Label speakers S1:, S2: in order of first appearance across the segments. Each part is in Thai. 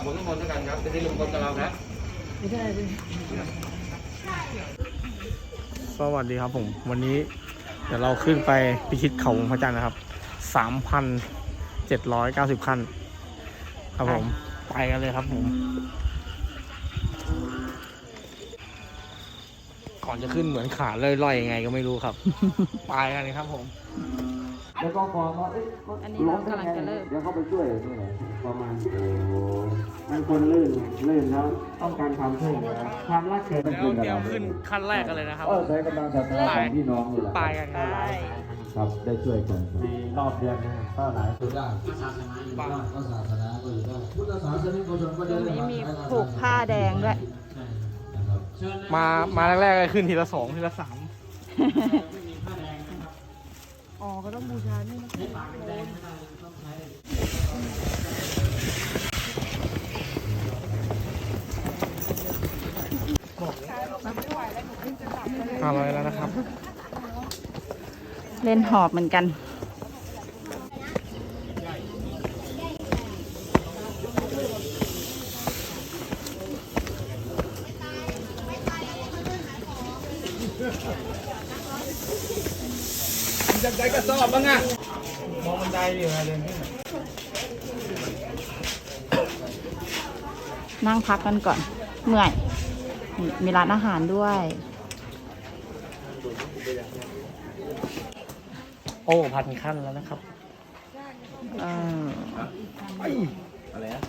S1: ผลน้ำมนต์ด้วยกันครับจะได้ลงบนกับเราครับ
S2: สวัสดีครับผมวันนี้เดี๋ยวเราขึ้นไปพิชิตเขาพระจันทร์นะครับ 3,790 ขั้นครับผมไปกันเลยครับผมก่อนจะขึ้นเหมือนขาล่อยๆยังไงก็ไม่รู้ครับ ไปกันเลยครับผม
S3: แล้วก็พอเขา
S4: อันนี้เรากำลังจะเริ่ม
S3: เดี๋ยวเขาไปช่วยนี่แหละประมาณมันคนลื่นแล้วต้องการความช่วยเหลือความรักเกิด
S2: แล้วเตรียมขึ้นขั้นแรกกันเลยนะครับ
S3: ใช้กำลังศรัทธาของพี่น้องนี่แหละ
S2: ไปกันครับ
S3: ครับได้ช่วยกันมีรอบเดือนนะก็หลายคนได้
S5: ก็ศาสนาอยู่ได้พุทธศาสนิกชนก็
S4: ตร
S5: ได้
S4: งนี้มีผูกผ้าแดงด้วย
S2: มาแรกๆเลยขึ้นทีละ2ทีละ3
S4: อ๋อก็ต้องบูชานี่นะ
S2: 500แล้วนะครับ
S4: เล่นหอบเหมือนกัน
S2: จะได้กระสอบบ้างอ่ะมองบันไดอยู่ไงเดินขึ้น
S4: นั่งพักกันก่อนเมื่อยนี่มีร้านอาหารด้วย
S2: โอ้พันขั้นแล้วนะครับ
S1: อะไรนะ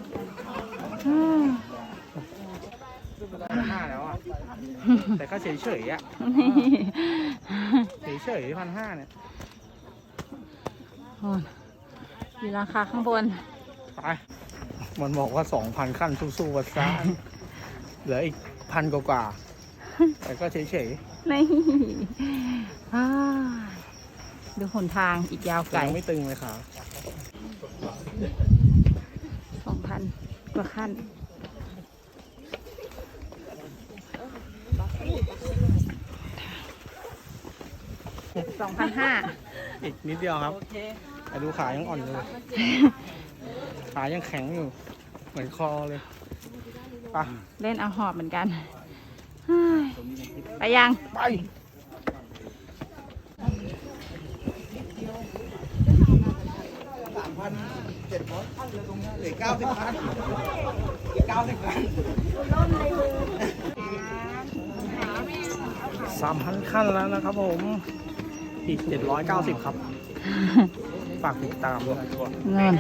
S2: 5แล้วอ่ะ แต่ก็เฉยๆอ่ะ เฉยๆ1,500เนี่ย
S4: มีราคาข้างบน
S2: ไป มันบอกว่า 2,000 ขั้นสู้ๆวัดซ่าเหลืออีก1,000 กว่าๆแต่ก็เฉย
S4: นี่ดูหนทางอีกยาว
S2: ๆ
S4: ไกล
S2: ยังไม่ตึงเลยค่ะ
S4: 2,000 กว่าขั้น2,500
S2: อีกนิดเดียวครับแต่ดูขายังอ่อนอยู่ ขายังแข็งอยู่ เหมือนคอเลยไป
S4: เล่นเอาหอบเหมือนกันเฮ้ยไปยัง
S2: ไป 3,000 ขั้นแล้วนะครับผม อีก 790 ครับ ฝากติดตามด้วย
S4: เงิน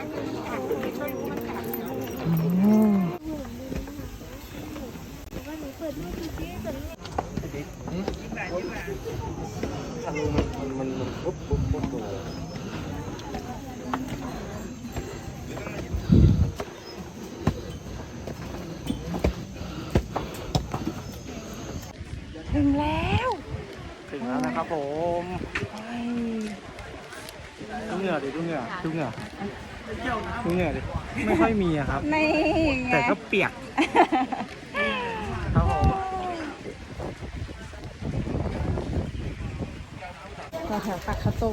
S4: ถึงแล้ว
S2: ถึงแล้วนะครับผมดูเหงื่อดิดูเหงื่อดูเหงื่อดูเหงื่อดิไม่ค่อยมีอะครับ
S4: นี่
S2: แต่ก็เปียกครับผม
S4: ต่อแถวตักข้าวต้ม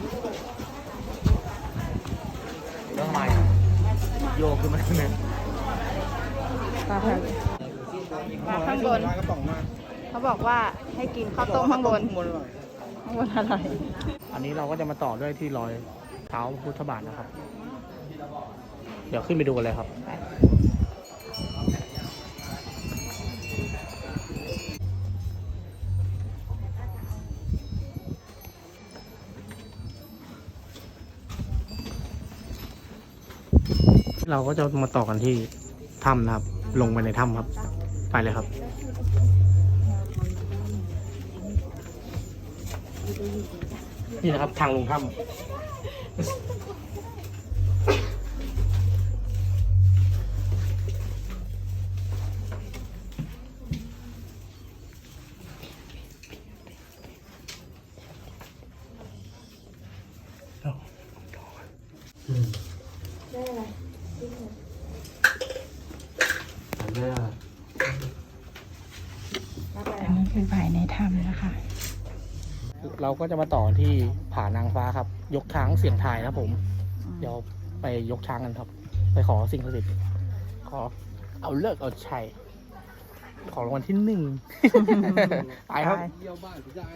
S2: แล้วทำไมโยกขึ้นมาเนี่ย
S4: ต่อแถวมาข้างบน
S2: กระป๋องมา
S4: เขาบอกว่าให้กินข้าวต้มข้างบน
S2: ข้างบนอร่อย
S4: ข้างบนอร่อย
S2: อันนี้เราก็จะมาต่อด้วยที่รอยเท้าพุทธบาทนะครับ เดี๋ยวขึ้นไปดูกันเลยครับ เราก็จะมาต่อกันที่ถ้ำนะครับ ลงไปในถ้ำครับ ไปเลยครับ นี่นะครับทางลงถ้ำ
S4: อันนี้คือภายในถ้ำนะคะ
S2: เราก็จะมาต่อที่ผานางฟ้าครับ ยกช้างเสียงทายครับผม เดี๋ยวไปยกช้างกันครับ ไปขอสิ่งศักดิ์สิทธิ์ขอเอาเลิกเอาชัย ขอรางวัลที่ 1 ไปครับ
S1: เยี่ยวบ้านใจ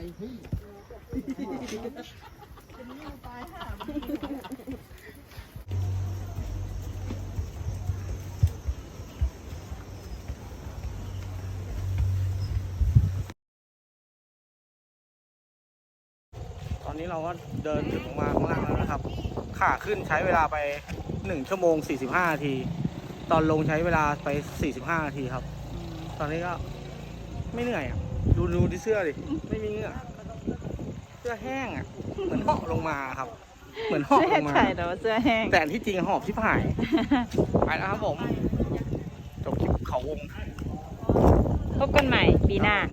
S2: ตอนนี้เราก็เดินถึงมาข้างล่างแล้วนะครับ ขาขึ้นใช้เวลาไป1 ชั่วโมง 45 นาที ตอนลงใช้เวลาไป 45 นาทีครับ ตอนนี้ก็ไม่เหนื่อยอ่ะ ดูที่เสื้อดิ ไม่มีเหงื่อเสื้อแห้งอ่ะ เหมือนเหาะลงมาครับ เหมือนเหาะ
S4: เสื้
S2: ล
S4: อง
S2: มา
S4: ไข่แต่ว่าเสื้อแห้ง
S2: แต่ที่จริงหอบที่ผาย ไปแล้วครับผม จบคลิปเขาวง
S4: พบกันใหม่ปีหน้า